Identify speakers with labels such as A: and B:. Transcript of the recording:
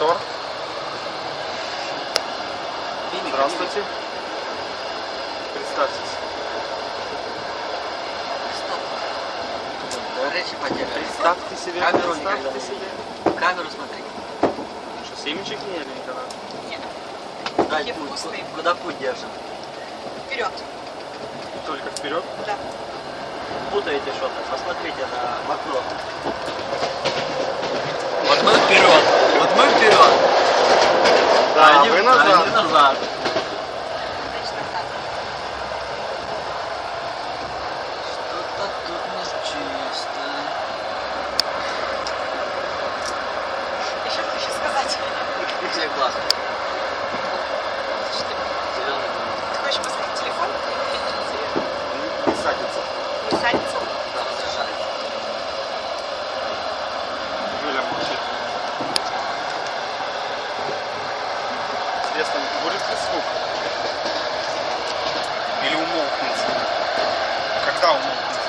A: Мотор. Здравствуйте. Представьтесь. Представьте себе.
B: Камеру
A: Представьте себе.
B: Камеру смотри.
A: Что, семечек не ели никогда?
C: Нет.
B: Куда
C: Такие
B: путь?
C: вкусные.
B: Куда путь держим?
C: Вперед.
A: Только вперед.
C: Да.
B: Путаете что-то. Посмотрите на окно. Вот мы вперед. Вот мы вперед.
A: Да,
B: они,
A: вы назад.
B: Они назад.
C: Значит, назад.
B: Что-то тут нечисто.
C: Я сейчас хочу сказать.
B: Где глаз?
C: Что ты
B: Зеленый.
C: ты хочешь посмотреть телефон?
A: Не садится.
C: Не садится?
B: Да, разрешается.
A: Юля молчит. Интересно, будет ли звук? Или умолкнет? Когда умолкнет?